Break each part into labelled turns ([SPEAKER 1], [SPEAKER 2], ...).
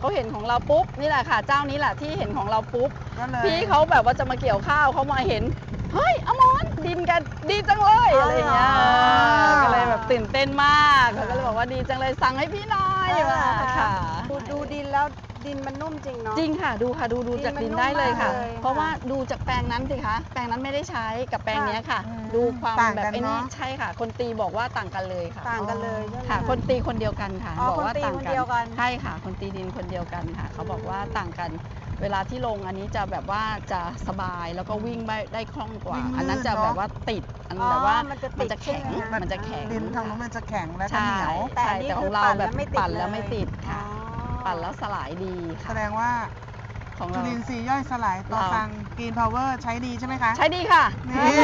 [SPEAKER 1] เขาเห็นของเราปุ๊บนี่แหละค่ะเจ้านี้แหละที่เห็นของเราปุ๊บ
[SPEAKER 2] ก็เลย
[SPEAKER 1] พี่เขาแบบว่าจะมาเกี่ยวข้าวเขามาเห็นเฮ้ยอมรดินกันดีจังเลยอะไรอย่างเงี้ยก็เลยแบบตื่นเต้นมากเขาก็เลยบอกว่าดีจังเลยสั่งให้พี่หน่อยว่าค่ะ
[SPEAKER 2] ดูดินแล้วดินมันนุ่มจริงเนาะ
[SPEAKER 1] จริงค่ะดูค่ะดู
[SPEAKER 2] ดิน
[SPEAKER 1] จาก
[SPEAKER 2] มัน
[SPEAKER 1] ดินได้เลยค่ะ
[SPEAKER 2] นุ่มมากเลย
[SPEAKER 1] เพราะว่าดูจากแปลงนั้นสิคะแปลงนั้นไม่ได้ใช้กับแปลงเนี้ยค่ะ
[SPEAKER 2] อืม
[SPEAKER 1] ดูความ
[SPEAKER 2] ต่าง
[SPEAKER 1] แบบ
[SPEAKER 2] กัน
[SPEAKER 1] ไอ้นี่
[SPEAKER 2] เนอะ
[SPEAKER 1] ใช่ค่ะ คนตีบอกว่าต่างกันเลยค่ะ
[SPEAKER 2] ต่างกันเลยใช่ไหม
[SPEAKER 1] ค่ะ คนตีคนเดียวกันค่ะ
[SPEAKER 2] อ๋อ
[SPEAKER 1] บอกว่า
[SPEAKER 2] คนตี
[SPEAKER 1] ต่าง
[SPEAKER 2] คนเดียวกัน
[SPEAKER 1] ใช่ค่ะ คนตีดินคนเดียวกันค่ะ เขาบอกว่าต่างกัน เวลาที่ลงอันนี้จะแบบว่าจะสบายแล้วก็วิ่งได้คล่องกว่า
[SPEAKER 2] วิ่งลื่น
[SPEAKER 1] อันนั้นจะ
[SPEAKER 2] เนอะ
[SPEAKER 1] แบบว่าติดอันแบบว่า
[SPEAKER 2] มันจะติด
[SPEAKER 1] แข็ง
[SPEAKER 2] ใช่ไหมคะ
[SPEAKER 1] มันจะแข็ง
[SPEAKER 3] ดินทางนู้นมันจะแข็งและก็
[SPEAKER 1] ใช่
[SPEAKER 3] เหนียว
[SPEAKER 2] แต่อันนี้
[SPEAKER 1] แต่ข
[SPEAKER 2] คือ
[SPEAKER 1] องเรา
[SPEAKER 2] ปั่น
[SPEAKER 1] แบ
[SPEAKER 2] แล้
[SPEAKER 1] บ
[SPEAKER 2] วไม่ติด
[SPEAKER 1] ปั่นแล้ว
[SPEAKER 2] เลย
[SPEAKER 1] ไม่ติดค่ะ
[SPEAKER 2] อ๋อ
[SPEAKER 1] ปั่นแล้วสลายดี
[SPEAKER 3] แส
[SPEAKER 1] ค่ะ
[SPEAKER 3] ดงว่า
[SPEAKER 1] ของ
[SPEAKER 3] จุ
[SPEAKER 1] เรา
[SPEAKER 3] ลินทรีย์ย่อยสลายต่อ
[SPEAKER 1] เรา
[SPEAKER 3] สั่งกรีนพาวเวอร์ใช้ดีใช่ไหมคะ
[SPEAKER 1] ใช้ดีค่ะ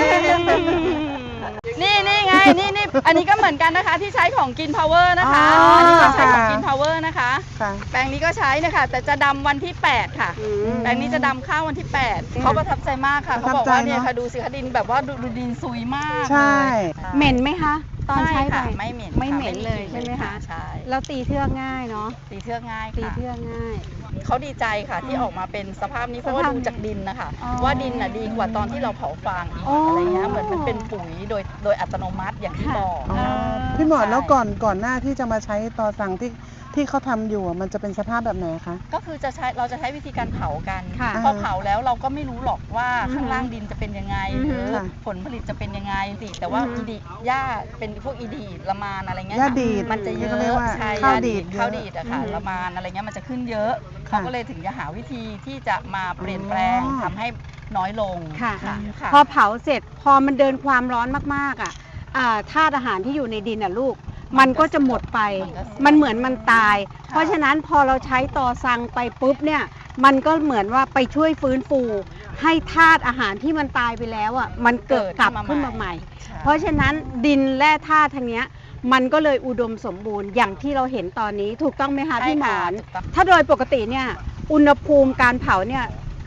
[SPEAKER 3] นี่
[SPEAKER 1] นี่ไงนี่อันนี้ก็เหมือนกันนะคะที่ใช้ของกินพาวเวอร์นะคะ
[SPEAKER 3] อ๋ออั
[SPEAKER 1] นนี้ก็ใช้ของ
[SPEAKER 3] ค่ะ
[SPEAKER 1] กินพาวเวอร์นะคะ
[SPEAKER 3] ค่ะ
[SPEAKER 1] แปลงนี้ก็ใช้นะคะแต่จะดำวันที่ 8 ค่ะ
[SPEAKER 2] อืม
[SPEAKER 1] แปลงนี้จะดำข้าววันที่ 8 เขาประทับใจมากค่ะ
[SPEAKER 3] ประ
[SPEAKER 1] เขา
[SPEAKER 3] ทั
[SPEAKER 1] บบ อก
[SPEAKER 3] ใจ
[SPEAKER 1] ว่าเนี่ย
[SPEAKER 3] เนอะ
[SPEAKER 1] ค่ะดูสิคะดินแบบว่าดูดินซุยมาก
[SPEAKER 3] ใช่
[SPEAKER 1] เลย
[SPEAKER 2] เหม็นไหมคะ ตอนใช้ไป
[SPEAKER 1] ค่ะไม่เหม็น
[SPEAKER 2] ไม่เหม็น
[SPEAKER 1] ค่ะ
[SPEAKER 2] เลยใช่ไหมคะ
[SPEAKER 1] ใช่
[SPEAKER 2] แล้วตีเทือกง่ายเนาะ
[SPEAKER 1] ตีเทือกง่าย
[SPEAKER 2] ตี
[SPEAKER 1] ค่ะ
[SPEAKER 2] เทือกง่าย
[SPEAKER 1] เขาดีใจค่ะที่ออกมาเป็นสภาพนี้เพราะว่า
[SPEAKER 2] สภาพ
[SPEAKER 1] ดูจากดินนะคะ
[SPEAKER 2] อ๋อ
[SPEAKER 1] ว่าดินน่ะดีกว่าตอนที่เราเผาฟางอีก
[SPEAKER 2] อ๋ออ
[SPEAKER 1] อะไรเงี้ยเหมือนมันเป็นปุ๋ยโดยอัตโนมัติอย่างที่
[SPEAKER 2] ค่ะ
[SPEAKER 1] บอก
[SPEAKER 3] อ๋อ พี่หมอนแล้วก่อนหน้าที่จะมาใช้ต่อสั่งที่เขาทำอยู่อะมันจะเป็นสภาพแบบไหนคะ
[SPEAKER 1] ก็คือเราจะใช้วิธีการเผากัน
[SPEAKER 2] ค่ะ
[SPEAKER 1] พอเผาแล้วเราก็ไม่รู้หรอกว่า
[SPEAKER 2] อือฮึ
[SPEAKER 1] ข้างล่างดินจะเป็นยังไง
[SPEAKER 2] อือ
[SPEAKER 1] ห
[SPEAKER 2] ฮึ
[SPEAKER 1] รือ
[SPEAKER 3] ค่ะ
[SPEAKER 1] ผลผลิตจะเป็นยังไงสิแต่ว่า
[SPEAKER 2] อือฮึ
[SPEAKER 1] อีดีหญ้าเป็นพวกอีดีละมานอะไรเงี้ย
[SPEAKER 3] หญ้า
[SPEAKER 1] ค่ะ
[SPEAKER 3] ดีด
[SPEAKER 1] มันจะเย
[SPEAKER 3] ที่
[SPEAKER 1] อะ
[SPEAKER 3] เขาเรียกว่า
[SPEAKER 1] ใช่
[SPEAKER 3] ข้าว
[SPEAKER 1] หญ้
[SPEAKER 3] ดีดเยอะ
[SPEAKER 1] ข้าวดีดอะค่ะ
[SPEAKER 2] อือฮึ
[SPEAKER 1] ละมานอะไรเงี้ยมันจะขึ้นเยอะ
[SPEAKER 3] ค่ะ
[SPEAKER 1] เขาก็เลยถึงจะหาวิธีที่จะมาเปลี่ยนแปลง
[SPEAKER 3] อ๋อ
[SPEAKER 1] ทำให้น้อยลง
[SPEAKER 2] ค่ะ
[SPEAKER 1] ค่ะ
[SPEAKER 2] พอเผาเสร็จพอมันเดินความร้อนมากๆอ่ะธาตุอาหารที่อยู่ในดินอ่ะลูก มันก็จะหมดไป มันเหมือนมันตาย เพราะฉะนั้นพอเราใช้ตอซังไปปุ๊บเนี่ย มันก็เหมือนว่าไปช่วยฟื้นฟู ให้ธาตุอาหารที่มันตายไปแล้วอ่ะ มันเกิดกลับขึ้นมาใหม่
[SPEAKER 1] ใช่
[SPEAKER 2] เพราะฉะนั้นดินแร่ธาตุทางเนี้ยมันก็เลยอุดมสมบูรณ์อย่างที่เราเห็นตอนนี้ถูกต้องไหมคะ
[SPEAKER 1] ใช่
[SPEAKER 2] พี่หม
[SPEAKER 1] ค่ะ
[SPEAKER 2] อน
[SPEAKER 1] ถูกต้อง
[SPEAKER 2] ถ้าโดยปกติเนี่ยอุณหภูมิการเผาเนี่ย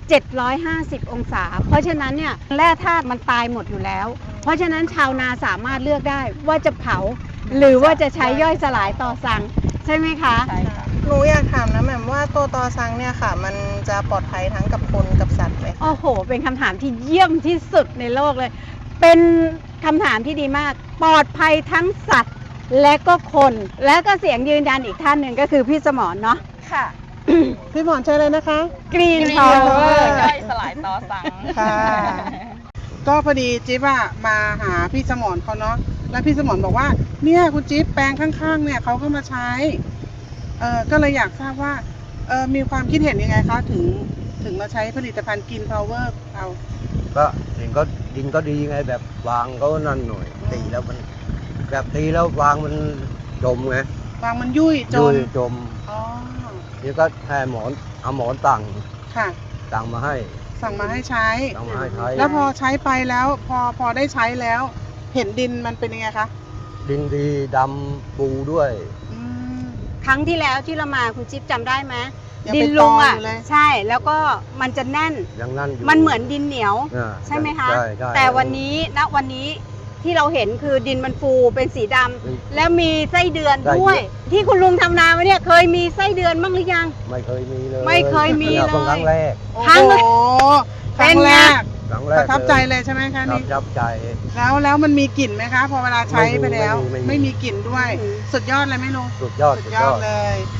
[SPEAKER 2] 750 องศา เพราะฉะนั้นเนี่ยแร่ธาตุมันตายหมดอยู่แล้ว เพราะฉะนั้นชาวนาสามารถเลือกได้ว่าจะเผา หรือว่าจะใช้ย่อยสลายต่อสั่งใช่ไหมคะ
[SPEAKER 1] ใช่ค่ะ
[SPEAKER 3] หนูอยากถามนะแหม่มว่าตัวต่อสั่งเนี่ยค่ะ มันจะปลอดภัยทั้งกับคนกับสัตว์ไหม
[SPEAKER 2] โอ้โห เป็นคำถามที่เยี่ยมที่สุดในโลกเลย เป็นคำถามที่ดีมาก ปลอดภัยทั้งสัตว์และก็คน และก็เสียงยืนยันอีกท่านหนึ่งก็คือพี่สมรเนาะ
[SPEAKER 1] ค่ะ
[SPEAKER 3] พี่หมอนใช้เลยนะคะ
[SPEAKER 2] Green
[SPEAKER 1] Green
[SPEAKER 2] Power
[SPEAKER 1] Power ย่อยสลายต่อสั่ง
[SPEAKER 3] ค่ะ ก็พอดีจิ๊บอะมาหาพี่สมรเขาเนาะแล้วพี่สมรบอกว่าเนี่ยคุณจิ๊บแปลงข้างๆ เนี่ยเขาก็มาใช้ก็เลยอยากทราบว่ามีความคิดเห็นยังไงคะถึงมาใช้ผลิตภัณฑ์กินพาวเวอร์เรา
[SPEAKER 4] ก็ดินก็ดีไงแบบวางก็นั่นหน่อยตีแล้วมันแบบตีแล้ววางมันจมไง
[SPEAKER 3] วางมันยุ่ยจ
[SPEAKER 4] ยุ่
[SPEAKER 3] ม
[SPEAKER 4] ยจม
[SPEAKER 3] อ๋อ
[SPEAKER 4] นี่ก็ให้เอาหมอนตั้ง
[SPEAKER 3] ค่ะ
[SPEAKER 4] ตั้งมาให้
[SPEAKER 3] สั่งมาให้ใช้
[SPEAKER 4] ตั้งมาให้ใช้
[SPEAKER 3] แล้วพอใช้ไปแล้วพอได้ใช้แล้ว เห็นดินมันเป็นยังไงคะ
[SPEAKER 4] ดินดีดำปูด้วย
[SPEAKER 3] อืม
[SPEAKER 2] ครั้งที่แล้วที่เรามาคุณจิ๊บจำได้ไหม
[SPEAKER 3] ยัง
[SPEAKER 2] ดิ
[SPEAKER 3] เป็น
[SPEAKER 2] นลุงอ่ะ
[SPEAKER 3] ตออยู่เลย
[SPEAKER 2] ใช่แล้วก็มันจะแน่น
[SPEAKER 4] อย่างนั้นอยู่
[SPEAKER 2] มันเหมือนดินเหนียว
[SPEAKER 4] อ่า
[SPEAKER 2] ใช่ไหมคะ
[SPEAKER 4] ใช่ใช่
[SPEAKER 2] แต่วันนี้ที่เราเห็นคือดินมันฟูเป็นสีดำ
[SPEAKER 4] อืม
[SPEAKER 2] แล้วมีไส้เดือน
[SPEAKER 4] ไส้เดือน
[SPEAKER 2] ด้วย ที่คุณลุงทำนามาเนี่ยเคยมีไส้เดือนบ้างหรือยัง
[SPEAKER 4] ไม่เคยมีเลย
[SPEAKER 2] ไม่เคยมี
[SPEAKER 4] นี่
[SPEAKER 2] เลย
[SPEAKER 4] ครั้งแรก
[SPEAKER 3] โอ้
[SPEAKER 2] ครั้ง
[SPEAKER 3] โห
[SPEAKER 2] แรก
[SPEAKER 3] ครั้งแรก
[SPEAKER 4] ครั้งแร
[SPEAKER 3] ป
[SPEAKER 4] ก
[SPEAKER 3] ระทับใจเลยใช่ไหมคะ
[SPEAKER 4] ประ
[SPEAKER 3] นี่
[SPEAKER 4] ทับใจ
[SPEAKER 3] แล้วมันมีกลิ่นไหมคะ พอเวลาใช้ไปแล้ว
[SPEAKER 4] ไม่มี
[SPEAKER 3] ไม่มีกลิ่นด้วย
[SPEAKER 2] อืม
[SPEAKER 3] สุดยอดเลยไหมลุง
[SPEAKER 4] สุดยอด
[SPEAKER 3] สุด
[SPEAKER 4] สุด
[SPEAKER 3] ย
[SPEAKER 4] ย
[SPEAKER 3] อ
[SPEAKER 4] อ
[SPEAKER 3] ด
[SPEAKER 4] ด
[SPEAKER 3] เลย